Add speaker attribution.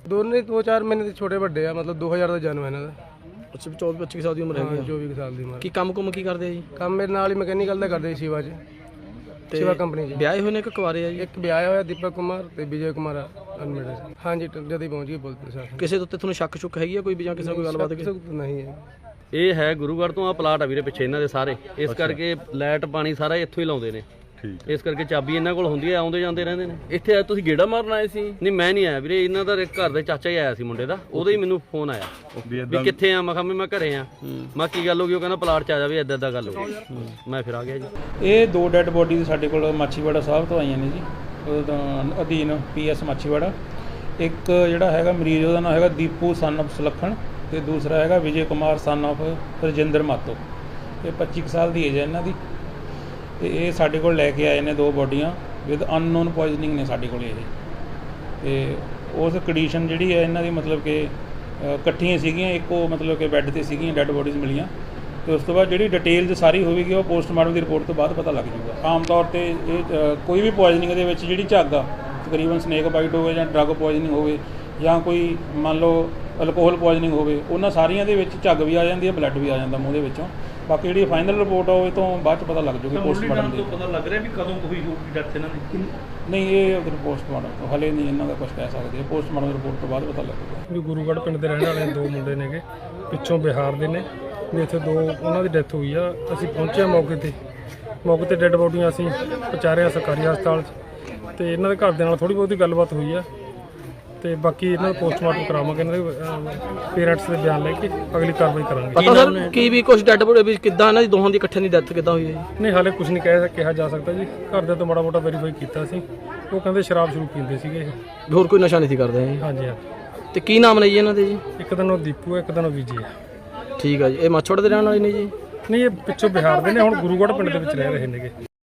Speaker 1: ਦੋਨੇ 2-4 ਮਹੀਨੇ ਦੇ ਛੋਟੇ ਵੱਡੇ ਆ, ਮਤਲਬ 2000 ਦਾ ਜਨਮ ਹੈ ਇਹਨਾਂ ਦਾ।
Speaker 2: ਅੱਛਾ 24-25 ਸਾਲ ਦੀ ਉਮਰ ਹੈਗੀ ਆ।
Speaker 1: 24 ਸਾਲ ਦੀ ਉਮਰ।
Speaker 2: ਕੀ ਕੰਮ ਕੀ ਕਰਦੇ ਆ ਜੀ?
Speaker 1: ਕੰਮ ਮੇਰੇ ਨਾਲ ਹੀ ਮਕੈਨੀਕਲ ਦਾ ਕਰਦੇ ਸ਼ਿਵਾ 'ਚ, ਸ਼ਿਵਾ ਕੰਪਨੀ 'ਚ।
Speaker 2: ਵਿਆਹੇ ਹੋਏ ਨੇ ਕਿ ਕੁਆਰੇ ਆ ਜੀ?
Speaker 1: ਇੱਕ ਵਿਆਹਿਆ ਹੋਇਆ ਦੀਪਕ ਕੁਮਾਰ ਤੇ ਵਿਜੇ ਕੁਮਾਰ ਅਨਮੇਡ। ਹਾਂਜੀ ਜਦ ਹੀ ਪਹੁੰਚ ਗਏ ਪੁਲਿਸ ਪ੍ਰਸ਼ਾਸਨ।
Speaker 2: ਕਿਸੇ ਦੇ ਉੱਤੇ ਤੁਹਾਨੂੰ ਸ਼ੱਕ ਹੈਗੀ ਆ ਕੋਈ ਵੀ ਜਾਂ ਕਿਸੇ ਨਾਲ ਕੋਈ ਗੱਲਬਾਤ?
Speaker 1: ਨਹੀਂ ਹੈ।
Speaker 3: ਇਹ ਹੈ ਗੁਰੂਗੜ੍ਹ ਤੋਂ ਆ ਪਲਾਟ ਆ ਵੀਰੇ ਪਿੱਛੇ ਇਹਨਾਂ ਦੇ ਸਾਰੇ, ਇਸ ਕਰਕੇ ਲਾਈਟ ਪਾਣੀ ਸਾਰਾ ਇੱਥੋਂ ਹੀ ਲਾਉਂਦੇ ਨੇ। ਇਸ ਕਰਕੇ ਚਾਬੀ ਇਹਨਾਂ ਕੋਲ ਹੁੰਦੀ ਹੈ, ਆਉਂਦੇ ਜਾਂਦੇ ਰਹਿੰਦੇ ਨੇ। ਇੱਥੇ ਆ ਤੁਸੀਂ ਗੇੜਾ ਮਾਰਨ ਆਏ ਸੀ? ਨਹੀਂ ਮੈਂ ਨਹੀਂ ਆਇਆ ਵੀਰੇ, ਇਹਨਾਂ ਦਾ ਘਰ ਦੇ ਚਾਚਾ ਹੀ ਆਇਆ ਸੀ ਮੁੰਡੇ ਦਾ, ਉਹਦਾ ਹੀ ਮੈਨੂੰ ਫੋਨ ਆਇਆ ਵੀ ਕਿੱਥੇ ਆ। ਮੈਂ ਕਿਹਾ ਮੈਂ ਘਰੇ ਆ। ਮੈਂ ਕੀ ਗੱਲ ਹੋ ਗਈ? ਉਹ ਕਹਿੰਦਾ ਪਲਾਟ 'ਚ ਆ ਜਾ ਵੀ ਇੱਦਾਂ ਇੱਦਾਂ ਗੱਲ ਹੋ ਗਈ। ਮੈਂ ਫਿਰ ਆ ਗਿਆ ਜੀ।
Speaker 4: ਇਹ 2 ਡੈੱਡ ਬੋਡੀ ਸਾਡੇ ਕੋਲ ਮਾਛੀਵਾੜਾ ਸਾਹਿਬ ਤੋਂ ਆਈਆਂ ਨੇ ਜੀ, ਉਹਦਾ ਅਧੀਨ PS ਮਾਛੀਵਾੜਾ। ਇੱਕ ਜਿਹੜਾ ਹੈਗਾ ਮਰੀਜ਼ ਉਹਦਾ ਨਾਮ ਹੈਗਾ ਦੀਪੂ ਸਨ ਆਫ ਸੁਲੱਖਣ ਤੇ ਦੂਸਰਾ ਹੈਗਾ ਵਿਜੇ ਕੁਮਾਰ ਸਨ ਆਫ ਰਜਿੰਦਰ ਮਾਤੋ। ਇਹ 25 ਸਾਲ ਦੀ ਏਜ ਹੈ ਇਹਨਾਂ ਦੀ ਤੇ ਇਹ ਸਾਡੇ ਕੋਲ ਲੈ ਕੇ ਆਏ ਨੇ 2 ਬੋਡੀਆਂ ਵਿਦ ਅਨਨੋਨ ਪੋਇਜ਼ਨਿੰਗ ਨੇ ਸਾਡੇ ਕੋਲ ਇਹ। ਤੇ ਉਸ ਕੰਡੀਸ਼ਨ ਜਿਹੜੀ ਹੈ ਇਹਨਾਂ ਦੀ ਮਤਲਬ ਕਿ ਇਕੱਠੀਆਂ ਸੀਗੀਆਂ, ਇੱਕੋ ਮਤਲਬ ਕਿ ਬੈੱਡ ਤੇ ਸੀਗੀਆਂ ਡੈੱਡ ਬੋਡੀਜ਼ ਮਿਲੀਆਂ। ਤੇ ਉਸ ਤੋਂ ਬਾਅਦ ਜਿਹੜੀ ਡਿਟੇਲ ਸਾਰੀ ਹੋਵੇਗੀ ਉਹ ਪੋਸਟਮਾਰਟਮ ਦੀ ਰਿਪੋਰਟ ਤੋਂ ਬਾਅਦ ਪਤਾ ਲੱਗ ਜਾਊਗਾ। ਆਮ ਤੌਰ ਤੇ ਇਹ ਕੋਈ ਵੀ ਪੋਇਜ਼ਨਿੰਗ ਦੇ ਵਿੱਚ ਜਿਹੜੀ ਝੱਗ ਆ, ਤਕਰੀਬਨ ਸਨੇਕ ਬਾਈਟ ਹੋਵੇ ਜਾਂ ਡਰੱਗ ਪੋਇਜ਼ਨਿੰਗ ਹੋਵੇ ਜਾਂ ਕੋਈ ਮੰਨ ਲਓ ਅਲਕੋਹਲ ਪੋਇਜ਼ਨਿੰਗ ਹੋਵੇ, ਉਹਨਾਂ ਸਾਰੀਆਂ ਦੇ ਵਿੱਚ ਝੱਗ ਵੀ ਆ ਜਾਂਦੀ ਹੈ, ਬਲੱਡ ਵੀ ਆ ਜਾਂਦਾ ਮੂੰਹ ਦੇ ਵਿੱਚੋਂ। ਬਾਕੀ ਜਿਹੜੀ ਫਾਈਨਲ ਰਿਪੋਰਟ ਆ ਉਹ ਤੋਂ ਬਾਅਦ ਚ ਪਤਾ ਲੱਗ ਜਾਊਗੀ ਪੋਸਟਮਾਰਟਮ ਦੀ।
Speaker 5: ਪਤਾ ਲੱਗ ਰਿਹਾ ਵੀ ਕਦੋਂ ਹੋਈ ਹੋਊਗੀ ਡੈਥ ਇਹਨਾਂ ਦੀ?
Speaker 4: ਨਹੀਂ ਇਹ ਪੋਸਟਮਾਰਟਮ ਤੋਂ ਹਲੇ ਨਹੀਂ ਇਹਨਾਂ ਦਾ ਕੁਝ ਕਹਿ ਸਕਦੇ, ਪੋਸਟਮਾਰਟਮ ਰਿਪੋਰਟ ਤੋਂ ਬਾਅਦ ਪਤਾ ਲੱਗੇਗਾ।
Speaker 1: ਵੀ ਗੁਰੂਗੜ੍ਹ ਪਿੰਡ ਦੇ ਰਹਿਣ ਵਾਲੇ 2 ਮੁੰਡੇ ਨੇਗੇ, ਪਿੱਛੋਂ ਬਿਹਾਰ ਦੇ ਨੇ। ਵੀ ਇੱਥੇ 2 ਉਹਨਾਂ ਦੀ ਡੈਥ ਹੋਈ ਆ। ਅਸੀਂ ਪਹੁੰਚੇ ਮੌਕੇ ਤੇ ਡੈੱਡ ਬੋਡੀਆਂ ਅਸੀਂ ਪਹੁੰਚਾਰਿਆ ਸਰਕਾਰੀ ਹਸਪਤਾਲ 'ਚ। ਤੇ ਇਹਨਾਂ ਦੇ ਘਰ ਦੇ ਨਾਲ ਥੋੜ੍ਹੀ ਬਹੁਤੀ ਗੱਲਬਾਤ ਹੋਈ ਆ ਤੇ ਬਾਕੀ ਇਹਨਾਂ ਦਾ ਪੋਸਟਮਾਰਟਮ ਕਰਾਵਾਂਗੇ, ਇਹਨਾਂ ਦੇ ਪੇਰੈਂਟਸ ਦੇ ਬਿਆਨ ਲੈ ਕੇ ਅਗਲੀ ਕਾਰਵਾਈ ਕਰਾਂਗੇ।
Speaker 2: ਪਤਾ ਸਰ ਕੀ ਵੀ ਕੁਝ ਡੈੱਡ ਬੋਡੀ ਵੀ ਕਿੱਦਾਂ ਇਹਨਾਂ ਦੀ ਦੋਹਾਂ ਦੀ ਇਕੱਠੇ ਦੀ ਡੈਥ ਕਿੱਦਾਂ ਹੋਈ ਹੈ ਜੀ?
Speaker 1: ਨਹੀਂ ਹਾਲੇ ਕੁਝ ਨਹੀਂ ਕਿਹਾ ਜਾ ਸਕਦਾ ਜੀ। ਘਰ ਦੇ ਤੋਂ ਮਾੜਾ ਮੋਟਾ ਵੈਰੀਫਾਈ ਕੀਤਾ ਸੀ, ਉਹ ਕਹਿੰਦੇ ਸ਼ਰਾਬ ਸ਼ੁਰੂ ਪੀਂਦੇ ਸੀਗੇ ਇਹ।
Speaker 2: ਹੋਰ ਕੋਈ ਨਸ਼ਾ ਨਹੀਂ ਸੀ ਕਰਦੇ ਜੀ?
Speaker 1: ਹਾਂਜੀ ਹਾਂ।
Speaker 2: ਤੇ ਕੀ ਨਾਮ ਨੇ ਜੀ ਇਹਨਾਂ ਦੇ ਜੀ?
Speaker 1: ਇੱਕ ਦਿਨ ਉਹ ਦੀਪੂ ਹੈ, ਇੱਕ ਦਿਨ ਉਹ ਵਿਜੇ ਹੈ।
Speaker 2: ਠੀਕ ਆ ਜੀ। ਇਹ ਮਾਛੋੜ ਦੇ ਰਹਿਣ ਵਾਲੇ ਨੇ ਜੀ?
Speaker 1: ਨਹੀਂ ਇਹ ਪਿੱਛੋਂ ਬਿਹਾਰ ਦੇ ਨੇ, ਹੁਣ ਗੁਰੂਗੜ੍ਹ ਪਿੰਡ ਦੇ ਵਿੱਚ ਰਹਿ ਰਹੇ ਨੇਗੇ।